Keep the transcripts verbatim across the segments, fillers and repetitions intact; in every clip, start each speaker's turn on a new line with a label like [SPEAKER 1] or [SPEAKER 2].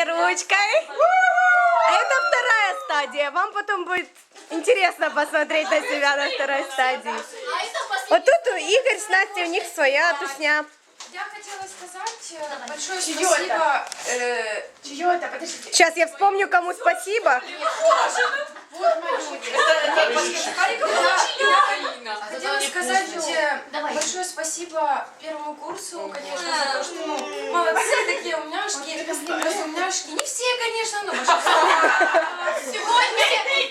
[SPEAKER 1] помашите ручкой. А это вторая стадия. Вам потом будет интересно посмотреть на себя на второй стадии. Вот тут у Игорь с Настей, у них своя тусня.
[SPEAKER 2] Я хотела сказать большое спасибо. Э, Чье это? Подождите.
[SPEAKER 1] Сейчас я вспомню, кому спасибо.
[SPEAKER 2] Вот мою. Хотела сказать большое спасибо первому курсу, конечно, за то, что ну, молодцы такие умняшки, разумняшки. Не все, конечно, но большинство. Сегодня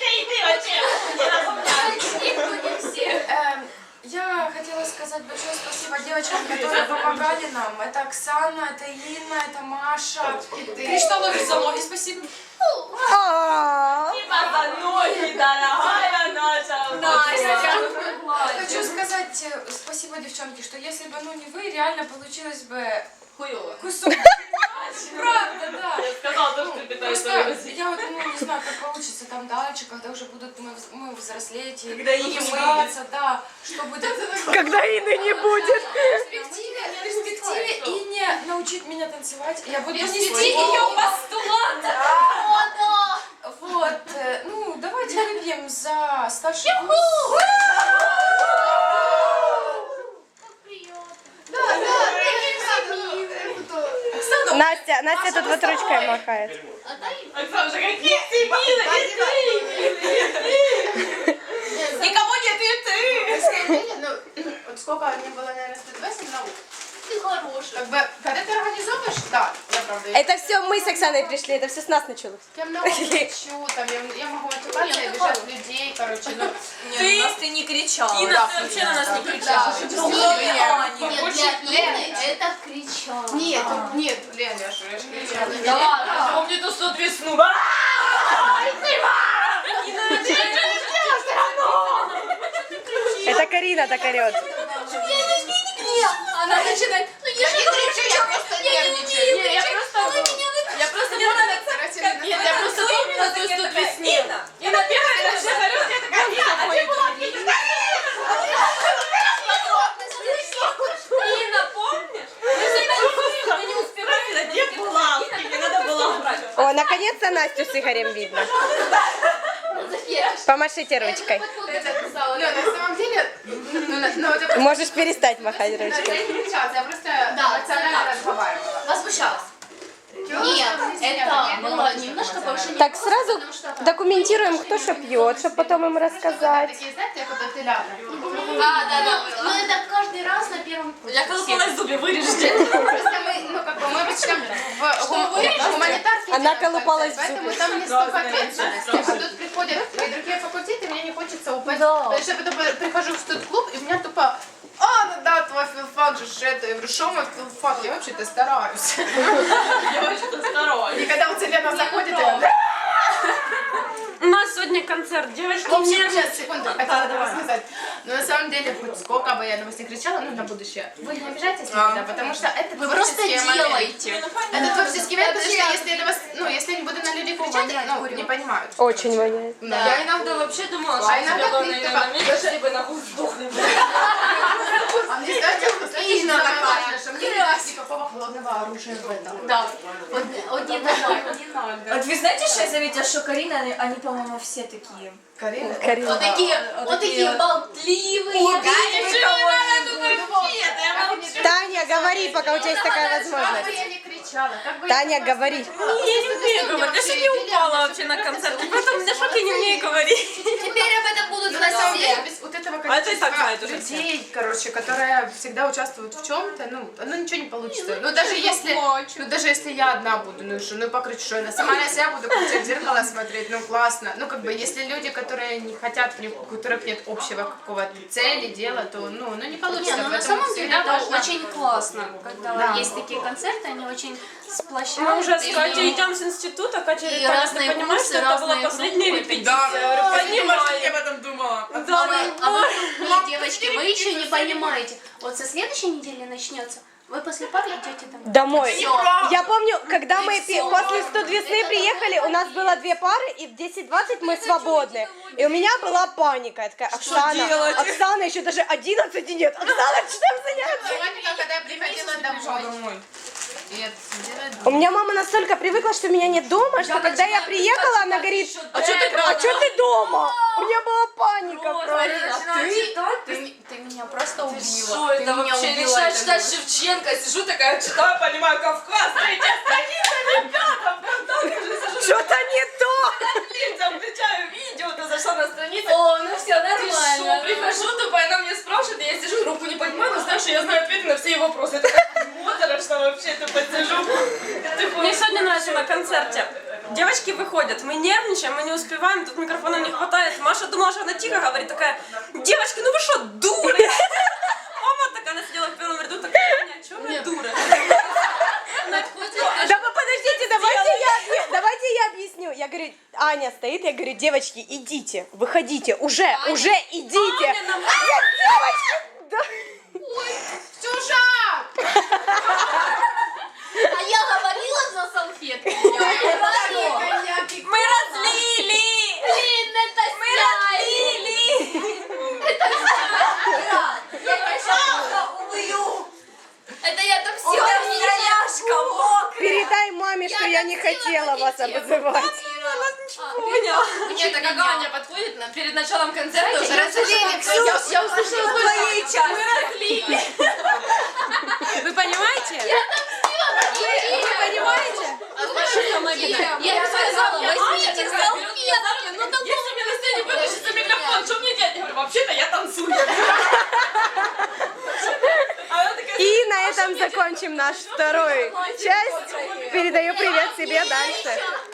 [SPEAKER 2] не все. Я хотела сказать большое спасибо девочкам, которые помогали нам. Это Оксана, это Инна, это Маша. Кришталове за ноги спасибо. Хочу сказать спасибо, девчонки, что если бы ну не вы, реально получилось бы кусок. Правда, да.
[SPEAKER 3] Я сказала, то, что ты
[SPEAKER 2] Просто я вот ну, не знаю, как получится там дальше, когда уже будут мы, мы взрослеть и
[SPEAKER 3] когда Инны
[SPEAKER 2] мыться, да, что будет.
[SPEAKER 1] Когда Инны не будет.
[SPEAKER 2] В перспективе, в перспективе Инне научить меня танцевать. Я буду нести
[SPEAKER 3] ее
[SPEAKER 2] постулат. Вот, ну давайте выпьем за старший курс.
[SPEAKER 1] Настя, Настя тут вот ручкой махает.
[SPEAKER 3] Оксана, какие ты милые, и ты милые. Никого нет, и ты.
[SPEAKER 2] Ну, вот сколько мне было, наверное, сто двадцать наук.
[SPEAKER 3] Ты хороший.
[SPEAKER 2] Как бы, когда ты организовываешь, да, я правда.
[SPEAKER 1] Это все мы с Оксаной пришли, это все с нас началось.
[SPEAKER 2] Я много кричу, там, я, я могу отвлекаться и обижать людей, короче, ну.
[SPEAKER 3] Ты, нас ты не кричала.
[SPEAKER 2] Инна,
[SPEAKER 3] Да,
[SPEAKER 2] ты
[SPEAKER 3] вообще на нас не
[SPEAKER 2] да.
[SPEAKER 3] кричала.
[SPEAKER 2] Да.
[SPEAKER 3] Нет,
[SPEAKER 2] Лен,
[SPEAKER 3] это кричала.
[SPEAKER 2] Нет, нет, Лен, я же кричала.
[SPEAKER 3] Да ладно, помню ту сто весну.
[SPEAKER 1] Это Карина так орет.
[SPEAKER 3] Она начинает, ну я же не кричу, я просто нервничаю. Не, я просто, я просто не нравится. Нет, я просто помню на ту сто весну. И на первой этаже орёт, я такая, Инна, помнишь? Мы не успевали, где была? Мне надо было убрать.
[SPEAKER 1] О, наконец-то Настю с Игорем видно. Помашите ручкой.
[SPEAKER 2] Ну, на самом деле, ну, на- ну, это
[SPEAKER 1] Можешь перестать махать
[SPEAKER 2] я
[SPEAKER 1] ручкой.
[SPEAKER 2] не кричала, я просто
[SPEAKER 3] Да,
[SPEAKER 2] эмоционально
[SPEAKER 3] да.
[SPEAKER 2] разговаривала.
[SPEAKER 3] Возмущалась. Нет, это было немножко повышение.
[SPEAKER 1] Так, сразу документируем, кто что пьет, чтобы потом им рассказать.
[SPEAKER 2] Такие, знаете, как будто ляда.
[SPEAKER 3] А, да, да. Ну это каждый раз на первом курсе. Я колупалась в зубе, вырежьте.
[SPEAKER 2] Просто мы, ну, как бы, мы обычно в гум- гуманитарке
[SPEAKER 1] Она
[SPEAKER 2] делаем
[SPEAKER 1] колупалась в
[SPEAKER 2] концерт,
[SPEAKER 1] зубы.
[SPEAKER 2] поэтому там не столько ответственности. А тут приходят и другие факультеты, мне не хочется упасть. Потому что я потом прихожу в студ-клуб, и у меня тупо... А, ну да, твой филфак же ж это. Я говорю, что мой филфак? Я вообще-то стараюсь.
[SPEAKER 3] Я вообще-то стараюсь.
[SPEAKER 2] И когда вот Елена заходит, я...
[SPEAKER 3] У нас сегодня концерт, девочки.
[SPEAKER 2] В общем, сейчас, секунду, хотела до вас сказать. Но на самом деле, хоть сколько бы я на вас не кричала, ну, на будущее, вы не обижайтесь никогда, потому что это
[SPEAKER 3] Вы просто
[SPEAKER 2] творческий момент.
[SPEAKER 3] делаете.
[SPEAKER 2] Это творческий момент, потому что если я на вас, ну, если я не буду на людей кричать, ну, не понимают.
[SPEAKER 1] Очень воняет.
[SPEAKER 3] Я иногда вообще думала, что
[SPEAKER 2] А иногда
[SPEAKER 3] тебя
[SPEAKER 2] ты
[SPEAKER 3] главное
[SPEAKER 2] такая,
[SPEAKER 3] на месте, либо нахуй сдохли.
[SPEAKER 2] А мне, знаете, знаете, что самое важное, что мне не даст никакого холодного оружия в этом.
[SPEAKER 3] Да. Вот, вот не надо, не надо.
[SPEAKER 4] Вот вы знаете, что я заметила, что Карина, они, они, по-моему, все такие.
[SPEAKER 2] Карина?
[SPEAKER 1] Карина.
[SPEAKER 3] Вот такие, вот такие болтливые.
[SPEAKER 1] Таня, говори, пока у тебя есть такая
[SPEAKER 2] Как бы
[SPEAKER 1] возможность.
[SPEAKER 2] я не кричала, как бы
[SPEAKER 1] Таня,
[SPEAKER 2] я не
[SPEAKER 1] говори.
[SPEAKER 3] Я не умею говорить, я сегодня упала вообще на концерте, поэтому у меня шок, я не умею говорить. Теперь об этом будут
[SPEAKER 2] Ну, на самом деле,
[SPEAKER 3] знать
[SPEAKER 2] без вот этого
[SPEAKER 3] А это и так знают
[SPEAKER 2] количества
[SPEAKER 3] уже все.
[SPEAKER 2] людей, короче, которые всегда участвуют в чем-то, ну, ну ничего не получится. Ну, даже если, ну, даже если я одна буду, ну, что, ну, покричу, что я сама на себя буду кричать, в зеркало смотреть, ну, классно. Ну, как бы, если люди, которые не хотят, у которых нет общего какого-то цели, дела, то, ну, ну, не получится.
[SPEAKER 5] Не, ну на
[SPEAKER 2] Поэтому
[SPEAKER 5] самом деле
[SPEAKER 2] всегда
[SPEAKER 5] это
[SPEAKER 2] важно-
[SPEAKER 5] очень классно, когда
[SPEAKER 2] Да.
[SPEAKER 5] есть такие концерты, они очень сплощают.
[SPEAKER 3] Мы уже с
[SPEAKER 5] и-
[SPEAKER 3] Катей идем с института, Катя говорит,
[SPEAKER 5] И
[SPEAKER 3] Таня, ты
[SPEAKER 5] разные
[SPEAKER 3] понимаешь,
[SPEAKER 5] курсы,
[SPEAKER 3] что это была
[SPEAKER 5] разные
[SPEAKER 3] последняя
[SPEAKER 5] группы.
[SPEAKER 3] репетиция? Я говорю, понимаю.
[SPEAKER 4] этом думала.
[SPEAKER 3] Да,
[SPEAKER 5] А вы, а
[SPEAKER 3] ну,
[SPEAKER 5] вы, вы, девочки, вы еще не понимаете. Вот со следующей недели начнется, вы после пары идете домой.
[SPEAKER 1] Домой.
[SPEAKER 5] Всё.
[SPEAKER 1] Я помню, когда мы пи-
[SPEAKER 5] всё.
[SPEAKER 1] после студ весны приехали, у нас было две пары, и в десять двадцать мы свободны. И у меня была паника. Я такая, Оксана,
[SPEAKER 3] делать?
[SPEAKER 1] Оксана, еще даже одиннадцати нет. Оксана, чем заняться?
[SPEAKER 2] Паника, когда я приходила домой. И это делает...
[SPEAKER 1] У меня мама настолько привыкла, что меня нет дома, что когда я приехала, она говорит, а что ты, а чё ты дома? У меня была паника просто.
[SPEAKER 2] Ты, ты, ты меня просто убила.
[SPEAKER 3] Что
[SPEAKER 2] Ты
[SPEAKER 3] это
[SPEAKER 2] меня
[SPEAKER 3] вообще?
[SPEAKER 2] убила
[SPEAKER 3] Решаю
[SPEAKER 2] этой
[SPEAKER 3] читать
[SPEAKER 2] новостью.
[SPEAKER 3] Шевченко, сижу такая, читаю, понимаю, Кавказ, третья страница, ребята, ВКонтакте уже сижу.
[SPEAKER 1] Что-то не то.
[SPEAKER 3] Лицам включаю видео, ты зашла на страницу.
[SPEAKER 5] О, ну все
[SPEAKER 3] Ты шо, прихожу, тупо, она меня спрашивает, и я сижу, руку не поднимаю, но знаю, что я знаю ответы на все ее вопросы. Я такая, что вообще тупо сижу.
[SPEAKER 6] Мне сегодня нравится на концерте. Девочки выходят, мы нервничаем, мы не успеваем, тут микрофона не хватает. Маша думала, что она тихо говорит, такая, девочки, ну вы что, дуры? Мама такая, она сидела в первом ряду, такая, Аня, чё вы дуры?
[SPEAKER 1] Да вы подождите, давайте я, объ- давайте я объясню. Я говорю, Аня стоит, я говорю, девочки, идите, выходите, уже, уже идите.
[SPEAKER 6] Аня нам-
[SPEAKER 1] Я, девочки, да.
[SPEAKER 2] Сюжа!
[SPEAKER 5] А я говорила за салфетки.
[SPEAKER 6] Мы разлили!
[SPEAKER 5] Блин, это
[SPEAKER 6] Мы разлили!
[SPEAKER 5] Это я так все
[SPEAKER 6] Няшка, мокрая!
[SPEAKER 1] Передай маме, что я не хотела вас обзывать.
[SPEAKER 6] Поняла.
[SPEAKER 3] Нет, так как Аня подходит на- перед началом концерта, уже
[SPEAKER 2] Разлили всю.
[SPEAKER 3] я, я услышала
[SPEAKER 6] Мы разлили!
[SPEAKER 1] Вы понимаете?
[SPEAKER 3] Вы понимаете?
[SPEAKER 5] Я сказала, возьмите салфетки. Ну так
[SPEAKER 3] Если мне на сцене выключится микрофон, что мне делать? Я говорю, вообще-то я танцую. А она такая,
[SPEAKER 1] И на этом закончим нашу вторую часть. Передаю привет себе дальше.